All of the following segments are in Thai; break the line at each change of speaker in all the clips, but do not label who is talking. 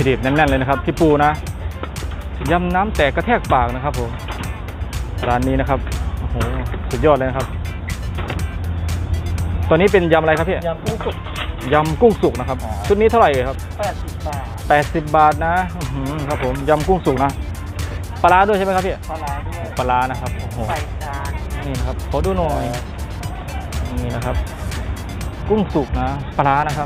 ถุดิบแน่นๆเลยนะครับพี่ปูนะยำน้ำแตกกระแทกปากนะครับผมร้านนี้นะครับโอ้โหสุดยอดเลยนะครับตัวนี้เป็นยำอะไรครับพี่
ยำกุ้งสุก
ยำกุ้งสุกนะครับชุดนี้เท่าไหร่ครับ
80 บาท
80 บาทนะครับผมยำกุ้งสุกนะปลาร้าด้วยใช่ไหมครับพี่
ปลาด้วย
ปลานะครับโอ้โห
ใส่จาน
นี่นะครับขอดูหน่อยนี่นะครับกุ้งสุกนะปลานะครับ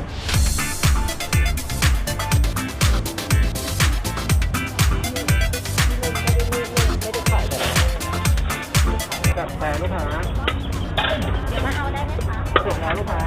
กับแต่ลูกค้า
มาเอาได้ไหมคะ
เสร็จแล้วลูกค้า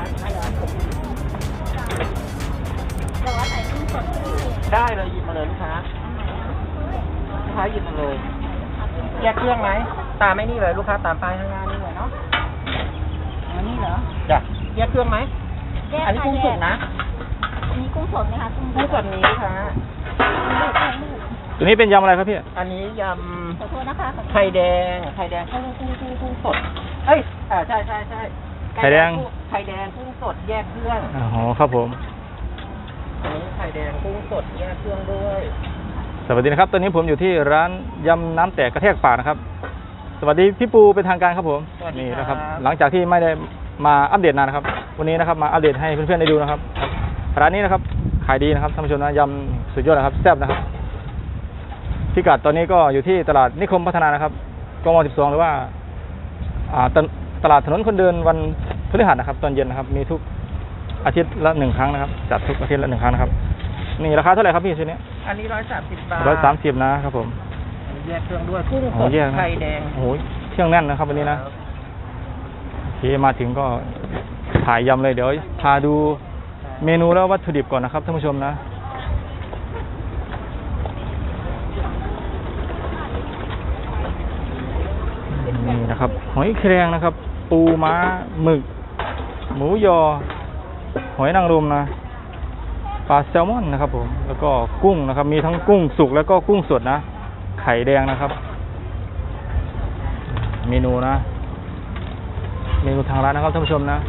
แต่ว่าใส่กุ้งสด
ได้เลยหยิบมาเลยลูกค้าหยิบมาเลยแยกเครื่องไหมตามไม่นี่เลยลูกค้าตามป้ายข้างหน้านี่เลยเนาะ
อันนี้เหรอ
จ้ะแยกเครื่องไหมอันนี้กุ้งสดนะ
อันนี้กุ้งสดไหมคะ
กุ้งสดนี้ลูกค้า
ตัวนี้เป็นยำอะไรครับพี่
อันนี้ย
ำขอโทษนะคะ
ไข่แดงกุ้งสดเอ้ยใช่
ไข่แดง
กุ้งสดแยกเครื่อง
อ๋อครับผม
อันนี้ไข่แดงกุ้งสดแยกเครื่องด้วย
สวัสดีนะครับตอนนี้ผมอยู่ที่ร้านยำน้ำแตกกระแทกปากนะครับสวัสดีพี่ปูเป็นทางการครับผมนี่นะครับหลังจากที่ไม่ได้มาอัปเดตนานนะครับวันนี้นะครับมาอัปเดตให้เพื่อนๆได้ดูนะครับร้านนี้นะครับขายดีนะครับท่านผู้ชมนะยำสุดยอดนะครับแซ่บนะครับพิกัดตอนนี้ก็อยู่ที่ตลาดนิคมพัฒนานะครับกม12หรือว่าตลาดถนนคนเดินวันพฤหัสนะครับตอนเย็นนะครับมีทุกอาทิตย์ละ1 ครั้งนะครับจัดทุกอาทิตย์ละ1 ครั้งนะครับนี่ราคาเท่าไหร่ครับพี่ชุดนี้
อันนี้130 บาท
130นะครับผม
แยกเครื่องด้วยกุ้งสดไข่แดง
โอ้ยเครื่องแน่นนะครับวันนี้นะโอเคมาถึงก็ถ่ายยำเลยเดี๋ยวพาดูเมนูแล้ววัตถุดิบก่อนนะครับท่านผู้ชมนะนี่นะครับหอยแครงนะครับปูม้าหมึกหมูยอหอยนางรมนะปลาแซลมอนนะครับผมแล้วก็กุ้งนะครับมีทั้งกุ้งสุกแล้วก็กุ้งสดนะไข่แดงนะครับเมนูนะเมนูทางร้านนะครับท่านผู้ชมนะ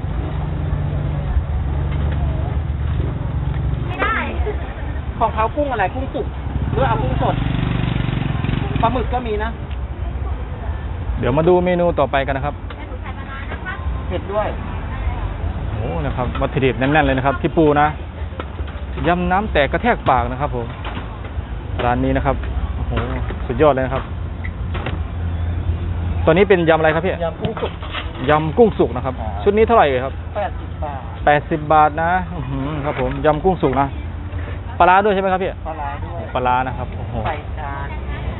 ไม่ได้
ของเขากุ้งอะไรกุ้งสุกหรือเอากุ้งสดปลาหมึกก็มีนะ
เดี๋ยวมาดูเมนูต่อไปกันนะครับ
เผ็ดด้วย
โอ้นะครับวัตถุดิบแน่นๆเลยนะครับพี่ปูนะยำน้ำแตกกระแทกปากนะครับผมร้านนี้นะครับโอ้โหสุดยอดเลยนะครับตัวนี้เป็นยำอะไรครับพี่
ยำกุ้งสุก
ยำกุ้งสุกนะครับชุดนี้เท่าไหร่ครับ
80 บาท
80 บาทนะครับผมยำกุ้งสุกนะปลาด้วยใช่ไหมครับพี่
ปลาด้วย
ปลานะครับโอ้โห
ใส่จาน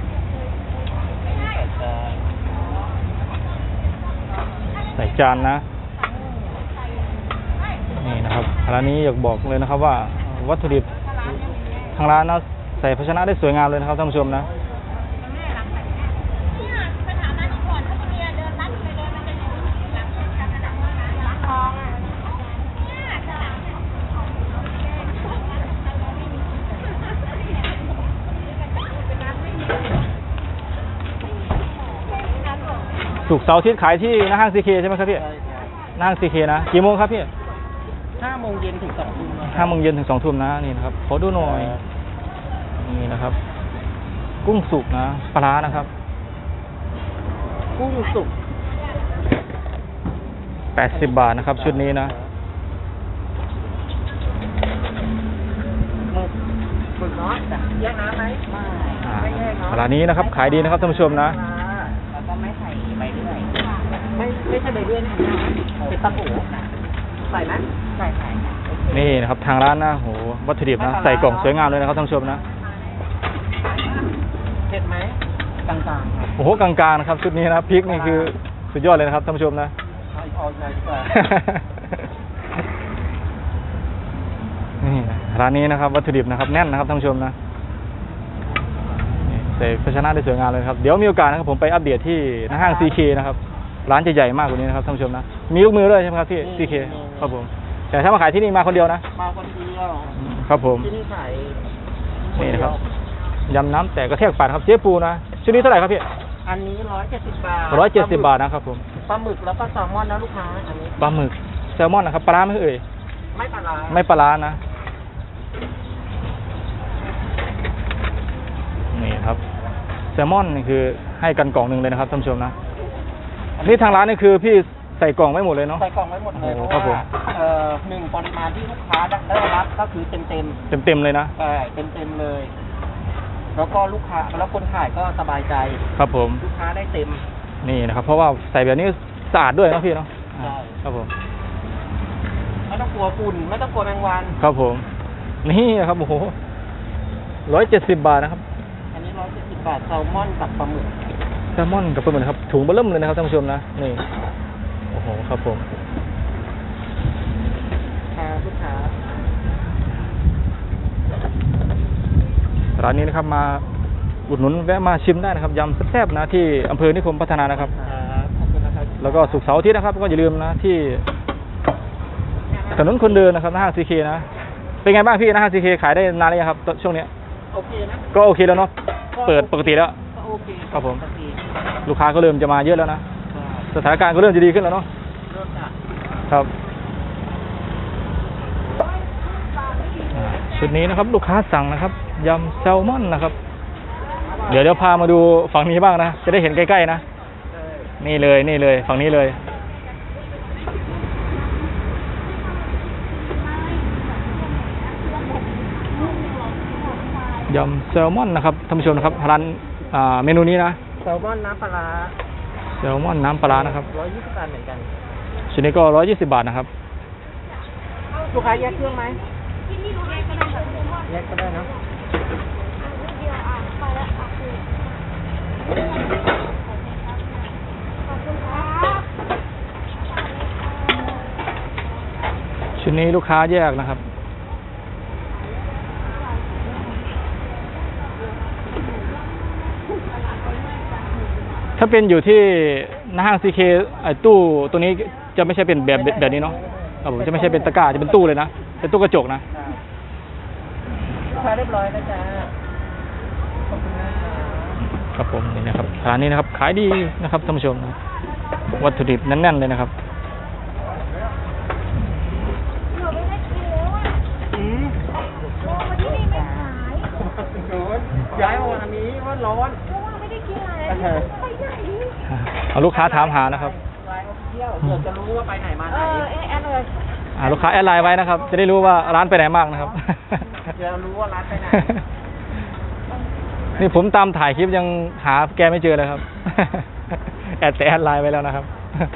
ใส่จานนะนี่นะครับร้านนี้อยากบอกเลยนะครับว่าวัตถุดิบทางร้านนะใส่ภาชนะได้สวยงามเลยนะครับท่านผู้ชมนะศุกร์เสาร์อาทิตย์ขายที่หน้าห้างซีเคใช่ไหมครับพี่หน้าห้างซีเคนะกี่โมงครับพี่
5 โมงเย็นถึง 2 ทุ่ม
5 โมงเย็นถึง 2 ทุ่มนะนี่นะครับขอดูหน่อยนี่นะครับกุ้งสุกนะปลานะครับ
กุ้งสุก
80 บาทนะครับชุดนี้นะ
หมึกน้อยแยกน้ำไหมไม่แยกเนาะ
ร้านนี้นะครับขายดีนะครับท่านผู้ชมนะ
แล้วก็ไม่ใส่ใบเลื่อยไม่ใช่ใบเลื่อยนะเป็นตะปูใส่ไหมใส่
นี่นะครับทางร้านนะโหวัตถุดิบนะใส่กล่องสวยงามเลยนะครับท่านผู้ชมนะ
เผ็ดไหมกลางๆครับ
โอ้โหกลางๆนะครับชุดนี้นะพริกนี่คือสุดยอดเลยนะครับท่านผู้ชมนะนี่ร้านนี้นะครับวัตถุดิบนะครับแน่นนะครับท่านผู้ชมนะใส่ภาชนะได้สวยงามเลยครับเดี๋ยวมีโอกาสนะครับผมไปอัปเดตที่หน้าห้าง CK นะครับร้านจะใหญ่มากกว่านี้นะครับท่านผู้ชมนะมีลูกมือด้วยใช่ไหมครับที่ CK ครับผมแต่ถ้ามาขายที่นี่มาคนเดียวนะ
มาคนเดียว
ครับผม
ที่นี่ขาย
นี่นะครับยำน้ำแตกกระแทกปากครับเจ๊ปูนะชุดนี้เท่าไหร่ครับพี่
อันนี้170 บาท
170 บาทนะครับผม
ปลาหมึกแล้วก็แซลมอนนะลูกค้าอันนี้
ปลาหมึกแซลมอนนะครับปลาไหมเอ่ย
ไม่ปลา
ไม่ปลานะครับแซลมอนนี่คือให้กันกล่องหนึ่งเลยนะครับท่านผู้ชมนะนี่ทางร้านนี่คือพี่ใส่กล่องไว้หมดเลยเนาะ
ใส่กล่องไว้หมดเลย
โอ้
เพ
ครับ
ราะ
ผม
ว่าหนึ่งปริมาณที่ลูกค้าได้รับก็คือเต็ม
เต็มเลยนะ
ใช่เต็มเลย แล้วก็ลูกค้าแล้วคนขายก็สบายใจ
ครับผม
ลูกค้าได้เต็ม
นี่นะครับ เพราะว่าใส่แบบนี้สะอาดด้วยนะพี่เนาะ
ใช่
ครับผม
ไม่ต้องกลัวฝุ่นไม่ต้องกลัวแมงวัน
ครับผมนี่นะครับโอ้โห170 บาทนะครับ
อันนี้170 บาทแซลมอนกับปลาหมึก
แซลมอนกับปลาหมึกนะครับถุงเบอร์เริ่มเลยนะครับท่านผู้ชมนะนี่โอ้โหครับผม
ลูกค้า
ร้านนี้นะครับมาอุดหนุนแวะมาชิมได้นะครับยำแซ่บๆนะที่อำเภอนิคมพัฒนานะครับ
ขอบคุณนะครับ
แล้วก็ศุกร์เสาร์อาทิตย์นะครับก็อย่าลืมนะที่ถนนคนเดินนะครับหน้าห้างซีเคนะเป็นไงบ้างพี่หน้าห้างซีเคขายได้นานหรือยังครับช่วงนี้
โอเคนะ
ก็โอเคแล้วเนาะเปิดปกติแล้ว
ก็โอเค
ครับผม
ปกติ
ลูกค้าก็เริ่มจะมาเยอะแล้วนะ
ใช่
สถานการณ์ก็เริ่มจะดีขึ้นแล้วเนาะ
เริ่มจาก
ครับชุดนี้นะครับลูกค้าสั่งนะครับยำแซลมอนนะครับเดี๋ยวพามาดูฝั่งนี้บ้างนะจะได้เห็นใกล้ๆนะนี่เลยฝั่งนี้เลยยำแซลมอนนะครับท่านผู้ชมนะครับร้านเมนูนี้นะ
แซลมอนน้ำปลาร้า
แซลมอนน้ำปลาร้านะครับ
120 บาทเหมือนกัน
ชุดนี้ก็120 บาทนะครับ
ลูกค้าแยกเครื่องไหมแยกก็ได้นะ
ชุดนี้ลูกค้าแยกนะครับถ้าเป็นอยู่ที่หน้าห้างซีเคตู้ตัวนี้จะไม่ใช่เป็นแบบนี้เนาะครับผมจะไม่ใช่เป็นตะกร้าจะเป็นตู้เลยนะเป็นตู้กระจกนะ
ลูกค้าเรียบร้อยนะจ๊ะขอบคุณมากครับ
ครับผมนี่นะครับร้านนี้นะครับขายดีนะครับท่านผู้ชมนะวัตถุดิบแน่นๆเลยนะครับ
ย้ายมาวันนี้ว่าร้อน
เอาลูกค้าถามหานะครับ
ไลน์เที่ยวเผื่อจะรู้ว่าไปไหนมาไหน
แอดเลย
ลูกค้าแอดไลน์ไว้นะครับ จะได้รู้ว่าร้านไปไหนบ้างนะครับ
จะรู้ว่าร้านไปไหน
นี่ผมตามถ่ายคลิปยังหาแกไม่เจอเลยครับ แอดไลน์ไว้แล้วนะครับ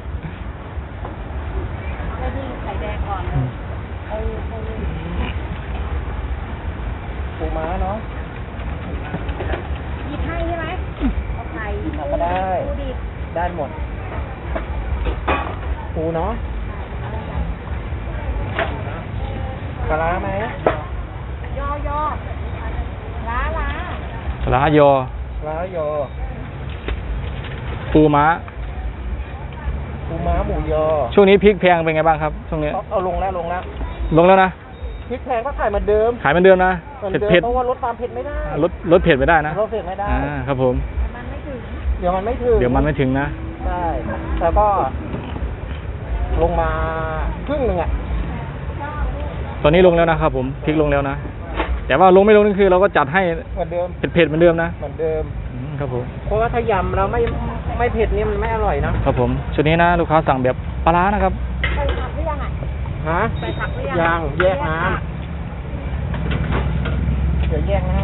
ไม่ดีไข่แดงก่อนเลย
ปูม้าเนาะ
หยิบให้ใช่ไหมเอาไข่
ก็ได้
ปูดิบ
ได้หมดปูเนาะปลาร้าไหม
ยล้า
ร้านยอ
ปลาร้าโย
ปูม้า
ปูม้าหมูยอ
ช่วงนี้พริกแพงเป็นไงบ้างครับช่วงนี้
เอาลงแล้ว
ลงแล้วนะ
พริกแพงก็ขายเหมือนเดิม
ขายเหมือนเดิมนะ
เหมือนเดิม
เผ็ด
เพราะว่าลดความเผ็ดไม่ได้
ลดเผ็ดไม่ได้นะ
ลดเผ็ดไม่ได้
ครับผม
มันไม่ถึง
เดี๋ยวมันไม่ถึง
เดี๋ยวมันไม่ถึงนะ
ใช่แล้วก็ลงมาครึ่งหนึ่งอ่ะ
ตอนนี้ลงแล้วนะครับผมพริกลงแล้วนะแต่ว่าลงไม่ลงนี่คือเราก็จัดให้
เหมือนเดิม
เผ็ดๆเหมือนเดิมนะ
เหมือนเดิม
ครับผม
เพราะว่าถ้ายำแล้วไม่เผ็ดนี่มันไม่อร่อยนะครับ
ผมชุดนี้นะลูกค้าสั่งแบบปลาร้านะครับ
ใส่ผักหรือยังอ่ะ
ฮะ
ใส่ผักหรือยัง
ยังแยกน้ำเดี๋ยวแยกให้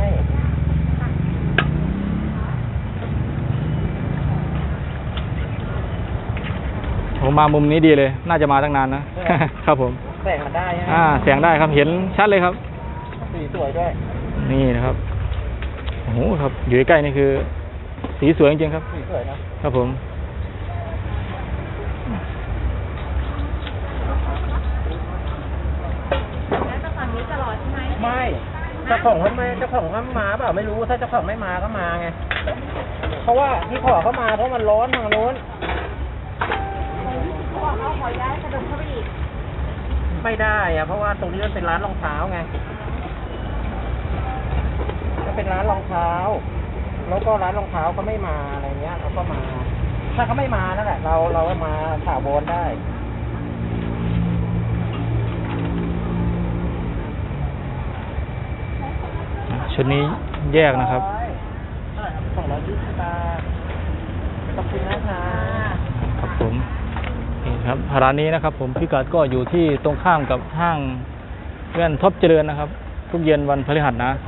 ผมมามุมนี้ดีเลย น่าจะมาตั้งนานนะ ครับผม
แสงมันได้ฮะ
แสงได้ครับเห็นชัดเลยครับ
สีสวยด้วย
นี่นะครับโอ้โหครับอยู่ใกล้ๆนี่คือสีสวยจริงๆครับ
สีสวยนะครับ
ผม
แล้วแต่ก่อนนี้ตลอดใช่ไหม
ไม่เจ้าของเขามาเปล่าไม่รู้ถ้าเจ้าของไม่มาก็มาไงเพราะว่าที่ขอเขามาเพราะมันร้อนทางโน้น
เขาบอกเขาขอย้ายกระดมเข้าไปอีก
ไม่ได้อะเพราะว่าตรงนี้มันเป็นร้านรองเท้าไงมันเป็นร้านรองเท้า แล้วก็ร้านรองเท้าก็ไม่มาอะไรเงี้ยเขาก็มา ถ้าเขาไม่มานั่นแหละเรามาถาวรได้
ชุดนี้แยกนะครับ
เท่าไหร่
ครับร้านนี้นะครับ ผมพิกัดก็อยู่ที่ตรงข้ามกับห้างแว่นท็อปเจริญนะครับ ทุกเย็นวันพฤหัสนะ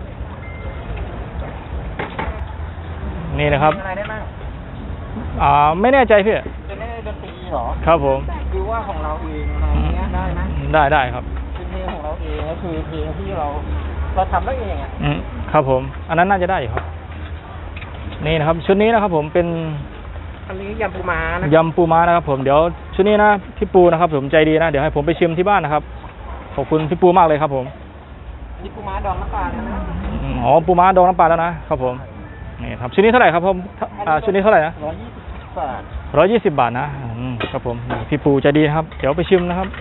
นี่นะครับ
อะไรได้บ้าง
ไม่แน่ใจพี่
จะเล่นดนตรีเหรอ
ครับผม
หรือว่าของเราเองอะไรเงี้ยได้ไหม
ได้ครับ
เป็นเพลงของเราเองก็คือเพลงที่เราทำได้เองอ่ะ
ครับผม อันนั้นน่าจะได้อยู่ครับ นี่นะครับ ชุดนี้นะครับ ผมเป็น
อันนี้ยำปูม้านะ
ยำปูม้านะครับ ผมเดี๋ยวชุดนี้นะพี่ปูนะครับ ผมใจดีนะเดี๋ยวให้ผมไปชิมที่บ้านนะครับขอบคุณพี่ปูมากเลยครับ ผม
นี่ปูม้าดองน้ำปลานะ
อ๋อปูม้าดองน้ำปลาแล้วนะครับผมนี่ครับชุดนี้เท่าไหร่ครับผมชุดนี้เท่าไหร่นะ
120 บาท
120 บาทนะครับผมพี่ปูใจดีนะครับ เดี๋ยวไปชิมนะครับ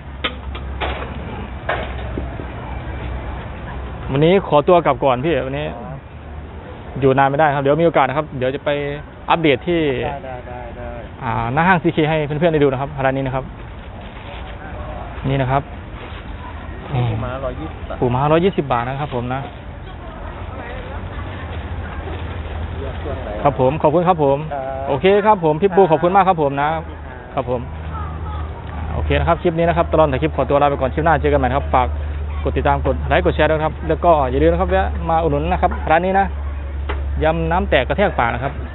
วันนี้ขอตัวกลับก่อนพี่วันนี้ อยู่นานไม่ได้ครับเดี๋ยวมีโอกาสนะครับเดี๋ยวจะไปอัปเดตที่
ได้
หน้าห้างซีเคให้เพื่อนๆได้ดูนะครับร้านนี้นะครับ นี่นะครับ
ปูม้า120 บาท
ปูม้า120 บาทนะครับ ผมนะ ครับผมขอบคุณครับผม โอเคครับผมพี่ปูขอบคุณมากครับผมนะครับผมโอเคนะครับคลิปนี้นะครับตลอดแต่คลิปขอตัวลาไปก่อนคลิปหน้าเจอกันใหม่ครับฝากกดติดตามกดไลค์กดแชร์ด้วยครับแล้วก็อย่าลืมนะครับแวะมาอุดหนุนนะครับร้านนี้นะยำน้ำแตกกระแทกปากนะครับ